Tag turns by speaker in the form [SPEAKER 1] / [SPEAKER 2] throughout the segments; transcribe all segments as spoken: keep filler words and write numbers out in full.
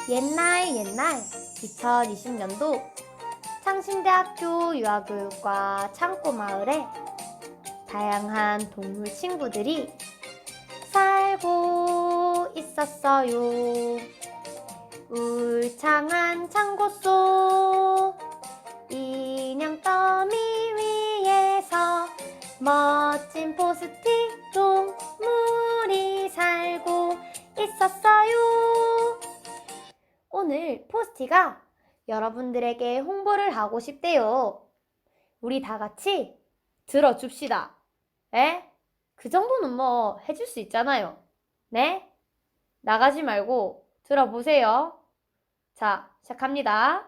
[SPEAKER 1] 옛날 옛날 이천이십 년도 창신대학교 유아교육과 창고마을에 다양한 동물 친구들이 살고 있었어요. 울창한 창고 속 인형 더미 위에서 멋진 포스틱 동물이 살고 있었어요. 오늘 포스티가 여러분들에게 홍보를 하고 싶대요. 우리 다 같이 들어줍시다. 에? 그 정도는 뭐 해줄 수 있잖아요. 네? 나가지 말고 들어보세요. 자, 시작합니다.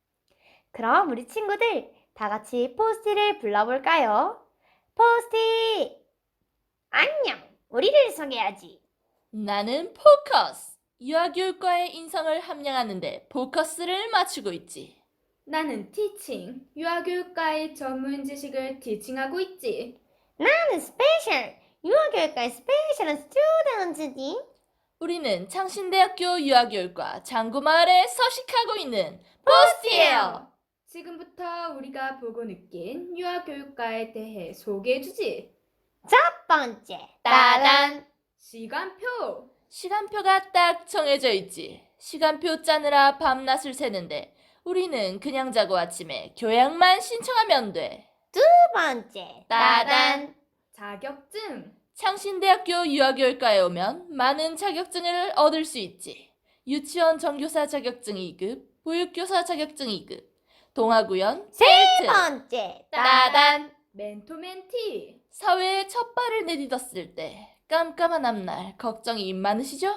[SPEAKER 1] 그럼 우리 친구들 다 같이 포스티를 불러볼까요? 포스티! 안녕! 우리를 소개하지.
[SPEAKER 2] 나는 포커스. 유아교육과의 인성을 함양하는데 포커스를 맞추고 있지.
[SPEAKER 3] 나는 티칭, 유아교육과의 전문 지식을 티칭하고 있지.
[SPEAKER 1] 나는 스페셜! 유아교육과의 스페셜한 스튜던트지.
[SPEAKER 2] 우리는 창신대학교 유아교육과 장구마을에 서식하고 있는 포스티예요.
[SPEAKER 3] 지금부터 우리가 보고 느낀 유아교육과에 대해 소개해주지.
[SPEAKER 1] 첫 번째, 따단!
[SPEAKER 3] 시간표!
[SPEAKER 2] 시간표가 딱 정해져 있지. 시간표 짜느라 밤낮을 새는데 우리는 그냥 자고 아침에 교양만 신청하면 돼.
[SPEAKER 1] 두 번째, 따단!
[SPEAKER 3] 자격증!
[SPEAKER 2] 창신대학교 유아교육과에 오면 많은 자격증을 얻을 수 있지. 유치원 정교사 자격증 이 급, 보육교사 자격증 이 급, 동아구연,
[SPEAKER 1] 세
[SPEAKER 2] 셀트,
[SPEAKER 1] 번째, 따단!
[SPEAKER 3] 멘토멘티!
[SPEAKER 2] 사회에 첫 발을 내딛었을 때 깜깜한 앞날 걱정이 많으시죠?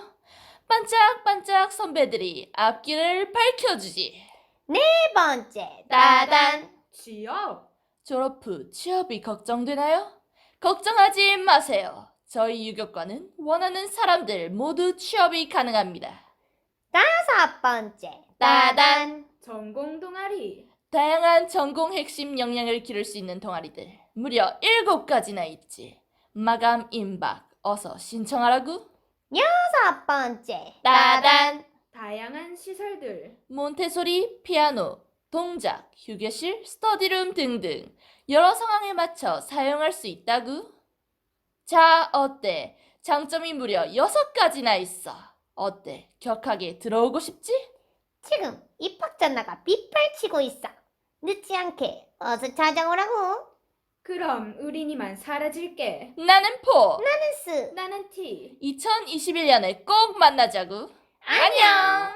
[SPEAKER 2] 반짝반짝 선배들이 앞길을 밝혀주지.
[SPEAKER 1] 네 번째, 따단!
[SPEAKER 3] 취업!
[SPEAKER 2] 졸업 후 취업이 걱정되나요? 걱정하지 마세요. 저희 유교과는 원하는 사람들 모두 취업이 가능합니다.
[SPEAKER 1] 다섯 번째, 따단!
[SPEAKER 3] 전공 동아리!
[SPEAKER 2] 다양한 전공 핵심 역량을 기를 수 있는 동아리들 무려 일곱 가지나 있지. 마감 임박 어서 신청하라고.
[SPEAKER 1] 여섯 번째,
[SPEAKER 2] 따단!
[SPEAKER 3] 다양한 시설들!
[SPEAKER 2] 몬테소리, 피아노, 동작, 휴게실, 스터디룸 등등 여러 상황에 맞춰 사용할 수 있다구. 자, 어때? 장점이 무려 여섯 가지나 있어. 어때? 격하게 들어오고 싶지?
[SPEAKER 1] 지금 입학 전화가 빗발치고 있어. 늦지 않게 어서 찾아오라고.
[SPEAKER 3] 그럼 우린 이만 사라질게.
[SPEAKER 2] 나는 포!
[SPEAKER 1] 나는 스.
[SPEAKER 3] 나는 티!
[SPEAKER 2] 이천이십일 년에 꼭 만나자구.
[SPEAKER 1] 안녕.